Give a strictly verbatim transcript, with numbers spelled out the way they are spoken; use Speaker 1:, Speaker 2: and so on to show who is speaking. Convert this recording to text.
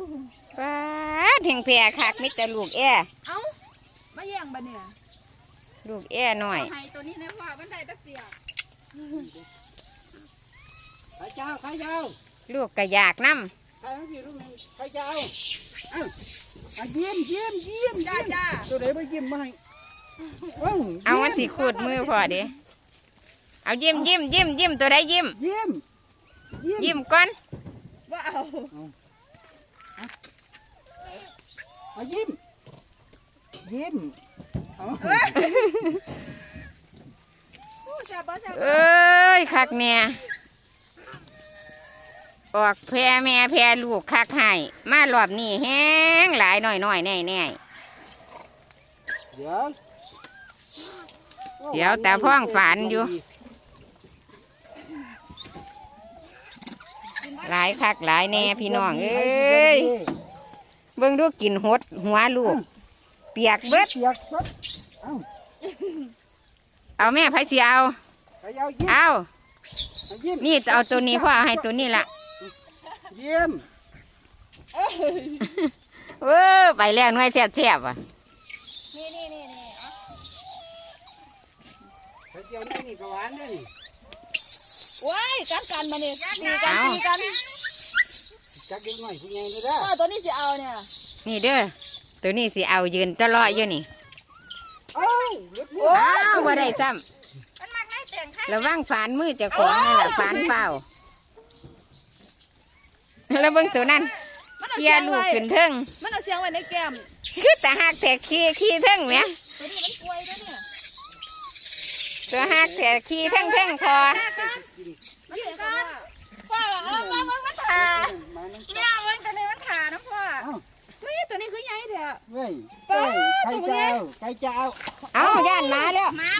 Speaker 1: ป้าแทงแพรคักมิตรลูกแอ่
Speaker 2: เอ้ามาแย่งบ่เนี่ย
Speaker 1: ลูกแอ่หน่อย
Speaker 2: ให้ตัวนี้นะพ่อมันได้ตะเปียก
Speaker 3: ใครเจ้าใครเจ้า
Speaker 1: ลูกกระยากน้ำ
Speaker 3: ใครพี่ลูกนึงใครเจ้าเอ้าเยี่ยมเยี่ยมเยี่ยม
Speaker 2: จ้าจ้า
Speaker 3: ตัวไหนไปเยี่ยมมาให้
Speaker 1: เอามันสีขูดมือพอดิเอายิ้มยิ้มยิ้มยิ้มตัวใดยิ้ม
Speaker 3: ยิ้ม
Speaker 1: ยิ้มก่อน
Speaker 2: ว่าเอา
Speaker 3: เอายิ้มยิ้ม
Speaker 1: เอ้ยคักเนี่ยออกแพร่แม่แพร่ลูกคักให้มารอบนี้แห้งหลายหน่อยหน่อยแน่แน่
Speaker 3: เดี๋ยว
Speaker 1: เดี๋ยวแต่พ่องฝันอยู่หลายคักหลายแน่พี่น้องเอ้ยเบิ่งดูกินหดหัวลูกเปียกเบิด
Speaker 3: เปียกเบิด
Speaker 1: เอาแม่ไผสิเอาเอานี่เอาตัวนี้พ่อให้ตัวนี้ละ
Speaker 3: เยี่ยม
Speaker 1: เออไปแล้วหน่วยแซ่บๆอ่ะ
Speaker 2: นี่นี่นี่นี่
Speaker 3: ไปเจียวนี่นี่กหวานนี่
Speaker 2: ว้ายกันกันมาเนี่ยตีกันตีกัน
Speaker 3: จักเด็กหน่อยผู้ใหญ่เลยเด้อ
Speaker 2: พ่อตัวนี้จะเอาเนี่ย
Speaker 1: นี่เด้อตัวนี้สิเอายืนตลอดอยู่นี่
Speaker 3: อ้าว
Speaker 1: อ้าวว่าได้ซ้ำระวังฝานมือจะของนี่แหละฝานเปล่าแล้วเบิ่งตัวนั้นเคียลูกขึ้นเทิง
Speaker 2: มันเอาเสียงไว้ในแก้ม
Speaker 1: คือแต่หักแต่ขี้ขี้เทิงเนี่ย
Speaker 2: ตัวนี้มันป่วยแล้วเนี่ย
Speaker 1: ตัวหักแต่ขี้เทิงเทิงคอ
Speaker 2: มันเสียกันพ่อเออมามันมันขาเนี่ยมันตัวนี้มันขานะพ่อไม่ตัวนี้คือใหญ่เถอะ
Speaker 3: เฮ้ยใครเจ้าใครเจ้า
Speaker 1: เอาย่านมาแล้ว
Speaker 2: มา